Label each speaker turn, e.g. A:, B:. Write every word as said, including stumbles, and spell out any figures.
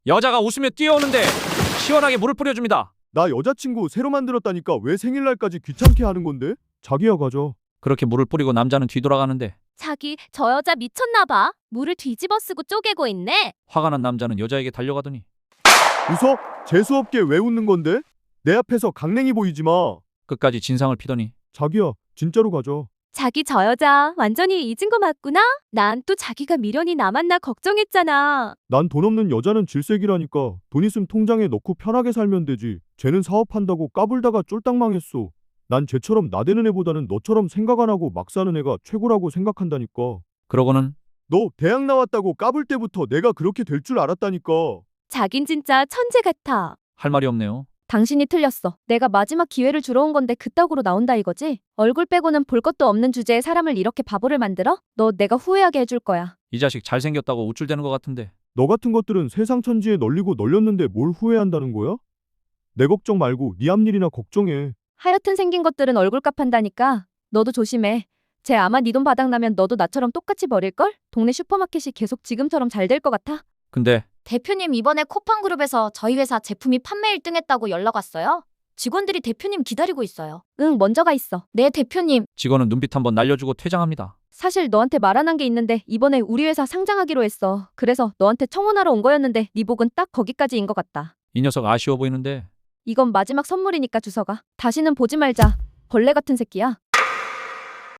A: 여자가 웃으며 뛰어오는데 시원하게 물을 뿌려줍니다.
B: 나 여자친구 새로 만들었다니까 왜 생일날까지 귀찮게 하는 건데? 자기야 가져.
A: 그렇게 물을 뿌리고 남자는 뒤돌아가는데
C: 자기, 저 여자 미쳤나 봐. 물을 뒤집어 쓰고 쪼개고 있네.
A: 화가 난 남자는 여자에게 달려가더니
B: 웃어? 재수없게 왜 웃는 건데? 내 앞에서 강냉이 보이지 마.
A: 끝까지 진상을 피더니
B: 자기야 진짜로 가져.
C: 자기, 저 여자 완전히 잊은 거 맞구나? 난 또 자기가 미련이 남았나 걱정했잖아.
B: 난 돈 없는 여자는 질색이라니까. 돈 있음 통장에 넣고 편하게 살면 되지. 쟤는 사업한다고 까불다가 쫄딱 망했어. 난 쟤처럼 나대는 애보다는 너처럼 생각 안 하고 막 사는 애가 최고라고 생각한다니까.
A: 그러고는
B: 너 대학 나왔다고 까불 때부터 내가 그렇게 될 줄 알았다니까.
C: 자긴 진짜 천재 같아.
A: 할 말이 없네요.
C: 당신이 틀렸어. 내가 마지막 기회를 주러 온 건데 그따구로 나온다 이거지? 얼굴 빼고는 볼 것도 없는 주제에 사람을 이렇게 바보를 만들어? 너 내가 후회하게 해줄 거야.
A: 이 자식 잘생겼다고 우쭐대는 것 같은데
B: 너 같은 것들은 세상 천지에 널리고 널렸는데 뭘 후회한다는 거야? 내 걱정 말고 네 앞일이나 걱정해.
C: 하여튼 생긴 것들은 얼굴값 한다니까. 너도 조심해. 쟤 아마 네 돈 바닥나면 너도 나처럼 똑같이 버릴걸? 동네 슈퍼마켓이 계속 지금처럼 잘 될 것 같아?
A: 근데
D: 대표님 이번에 쿠팡그룹에서 저희 회사 제품이 판매 일 등 했다고 연락 왔어요. 직원들이 대표님 기다리고 있어요.
C: 응, 먼저 가 있어.
D: 네, 대표님.
A: 직원은 눈빛 한번 날려주고 퇴장합니다.
C: 사실 너한테 말 안 한 게 있는데 이번에 우리 회사 상장하기로 했어. 그래서 너한테 청혼하러 온 거였는데 네 복은 딱 거기까지인 것 같다.
A: 이 녀석 아쉬워 보이는데
C: 이건 마지막 선물이니까 주워가. 다시는 보지 말자. 벌레 같은 새끼야.